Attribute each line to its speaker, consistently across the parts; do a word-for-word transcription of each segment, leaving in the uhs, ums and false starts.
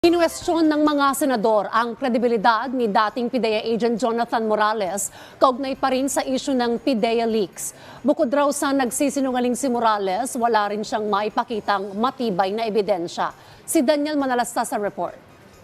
Speaker 1: Kinwestiyon ng mga senador ang kredibilidad ni dating PIDEA agent Jonathan Morales kaugnay pa rin sa isyu ng PIDEA leaks. Bukod raw sa nagsisinungaling si Morales, wala rin siyang maipakitang matibay na ebidensya. Si Daniel Manalasta sa report.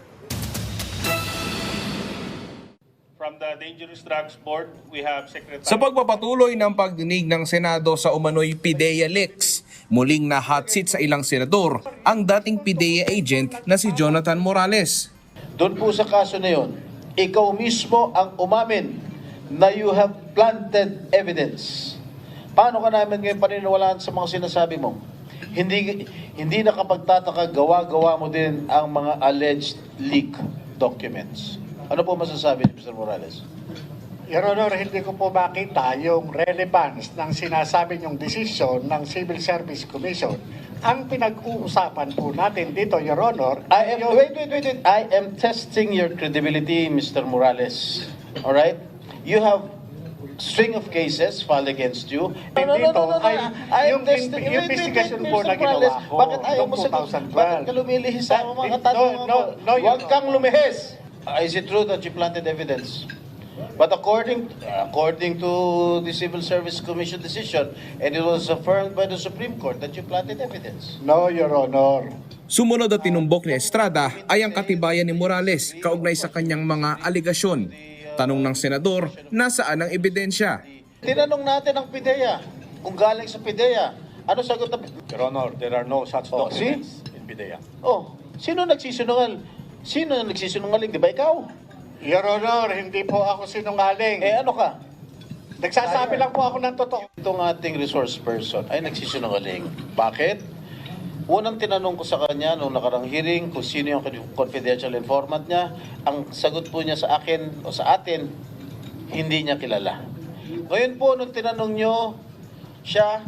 Speaker 2: From the Dangerous Drugs Board, we have Secretary...
Speaker 3: Sa pagpapatuloy ng pagdinig ng Senado sa umano'y PIDEA leaks, muling na hot seat sa ilang senador ang dating PIDEA agent na si Jonathan Morales.
Speaker 4: Doon po sa kaso na yun, ikaw mismo ang umamin na you have planted evidence. Paano ka namin ngayon paniniwalaan sa mga sinasabi mo? Hindi, hindi nakapagtataka, gawa-gawa mo din ang mga alleged leak documents. Ano po masasabi ni Mister Morales?
Speaker 5: Your Honor, hindi ko po makita yung relevance ng sinasabi niyong desisyon ng Civil Service Commission. Ang pinag-uusapan po natin dito, Your Honor,
Speaker 4: I am,
Speaker 5: yung...
Speaker 4: wait, wait, wait, wait. I am testing your credibility, Mister Morales. All right? You have string of cases filed against you.
Speaker 5: Dito ay
Speaker 4: I am
Speaker 5: yung
Speaker 4: testing-
Speaker 5: in-
Speaker 4: wait, wait, wait,
Speaker 5: investigation
Speaker 4: wait,
Speaker 5: po
Speaker 4: Mister
Speaker 5: na ginawa
Speaker 4: Morales,
Speaker 5: ko
Speaker 4: Bakit ayaw
Speaker 5: noong
Speaker 4: mo sagot?
Speaker 5: two thousand twelve?
Speaker 4: Bakit ka lumilihis sa mga
Speaker 5: No,
Speaker 4: katanungan
Speaker 5: no,
Speaker 4: ko?
Speaker 5: no, Your
Speaker 4: Huwag kang lumihis. Uh, is it true that you planted evidence? But according according to the Civil Service Commission decision, and it was affirmed by the Supreme Court that you planted evidence.
Speaker 5: No, Your Honor.
Speaker 3: Sumunod at tinumbok ni Estrada ay ang katibayan ni Morales kaugnay sa kanyang mga aligasyon. Tanong ng senador, nasaan ang ebidensya?
Speaker 4: Tinanong natin ang PIDEA, kung galing sa PIDEA. Ano sagot ng
Speaker 2: Your Honor, there are no such
Speaker 4: Oh,
Speaker 2: documents in PIDEA.
Speaker 4: Oh, sino nagsisinungal? Sino nagsisinungaling? Di ba ikaw?
Speaker 5: Your Honor, hindi po ako sinungaling.
Speaker 4: Eh ano ka?
Speaker 5: Nagsasabi lang po ako ng totoo.
Speaker 4: Itong ating resource person ay nagsisinungaling. Bakit? Unang tinanong ko sa kanya noong nakarang hearing kung sino yung confidential informant niya. Ang sagot po niya sa akin o sa atin, hindi niya kilala. Ngayon po, nung tinanong niyo siya,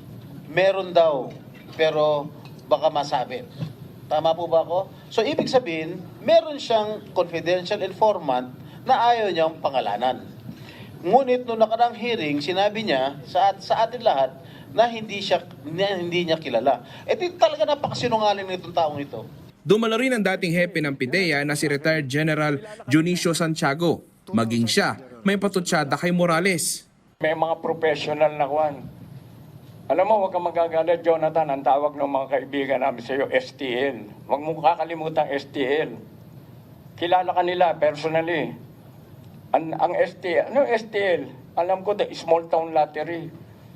Speaker 4: meron daw, pero baka masabi. Tama po ba ako? So, ibig sabihin, meron siyang confidential informant na ayaw niyang pangalanan. Ngunit nung nakarang hearing, sinabi niya sa, sa atin lahat na hindi siya na hindi niya kilala. Eh di talaga napakasinungaling nitong taong ito.
Speaker 3: Dumalo rin ang dating hepe ng PIDEA na si retired General Junicio Santiago. Maging siya, may patutsada kay Morales.
Speaker 6: May mga professional na kwan. Alam mo, huwag kang magagalit, Jonathan. Ang tawag ng mga kaibigan namin sa iyo, S T L. Huwag mong kakalimutan S T L. Kilala ka nila personally. Ang, ang S T L, ano S T L? Alam ko, the small town lottery.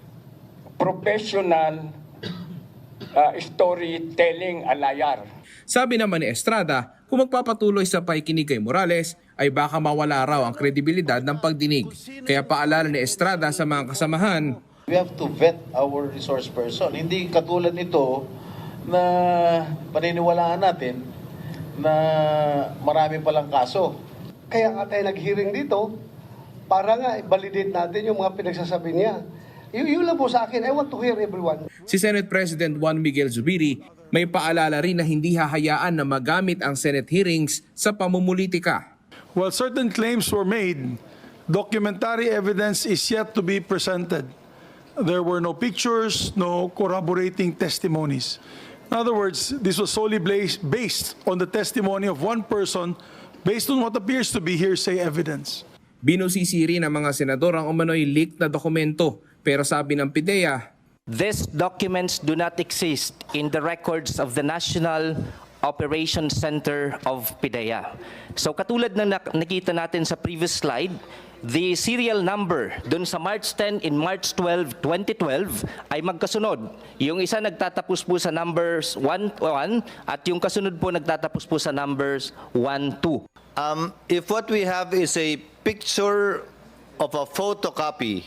Speaker 6: Professional uh, storytelling alayar.
Speaker 3: Sabi naman ni Estrada, kung magpapatuloy sa pakikinig kay Morales, ay baka mawala raw ang kredibilidad ng pagdinig. Kaya paalala ni Estrada sa mga kasamahan,
Speaker 4: We have to vet our resource person. Hindi katulad nito na paniniwalaan natin na marami palang kaso.
Speaker 7: Kaya nga tayo nag-hearing dito para nga i-validate natin yung mga pinagsasabi niya. Y- yun lang po sa akin. I want to hear everyone.
Speaker 3: si Senate President Juan Miguel Zubiri may paalala rin na hindi hahayaan na magamit ang Senate hearings sa pamumulitika.
Speaker 8: While certain claims were made, documentary evidence is yet to be presented. There were no pictures, no corroborating testimonies. In other words, this was solely blas- based on the testimony of one person based on what appears to be hearsay evidence.
Speaker 3: Binusisi rin ng mga senador ang umano'y leaked na dokumento, pero sabi ng PIDEA,
Speaker 9: These documents do not exist in the records of the National Operations Center of PIDEA. So katulad ng nak- nakita natin sa previous slide, the serial number dun sa March tenth and March twelfth, twenty twelve ay magkasunod. Yung isa nagtatapos po sa numbers one one at yung kasunod po nagtatapos po sa numbers one two.
Speaker 10: Um, if what we have is a picture of a photocopy,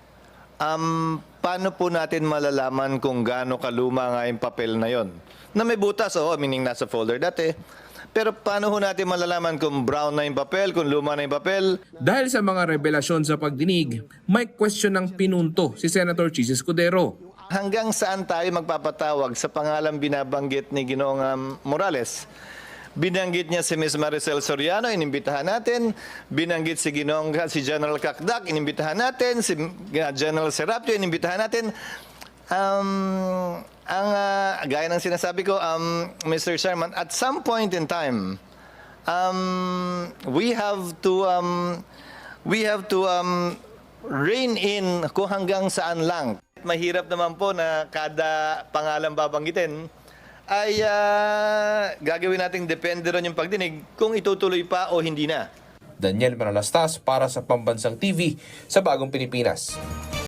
Speaker 10: um, paano po natin malalaman kung gaano kaluma nga yung papel na yon? Na may butas, oh, meaning nasa folder dati. Pero paano ho natin malalaman kung brown na yung papel, kung luma na yung papel?
Speaker 3: dahil sa mga revelasyon sa pagdinig, may question ng pinunto si Senator Chis Escudero.
Speaker 10: Hanggang saan tayo magpapatawag sa pangalang binabanggit ni Ginoong um, Morales? Binanggit niya si Miz Maricel Soriano, inimbitahan natin. Binanggit si Ginoong si General Kakdak, inimbitahan natin. Si uh, General Serapio, inimbitahan natin. Um, ang ah, gaya ng sinasabi ko, um, Mister Chairman, at some point in time, um, we have to um, we have to um, rein in kung hanggang saan lang. Mahirap naman po na kada pangalan babanggitin ay ah, gagawin nating depende ron yung pagdinig kung itutuloy pa o hindi na.
Speaker 3: Daniel Manalastas para sa Pambansang T V sa Bagong Pilipinas.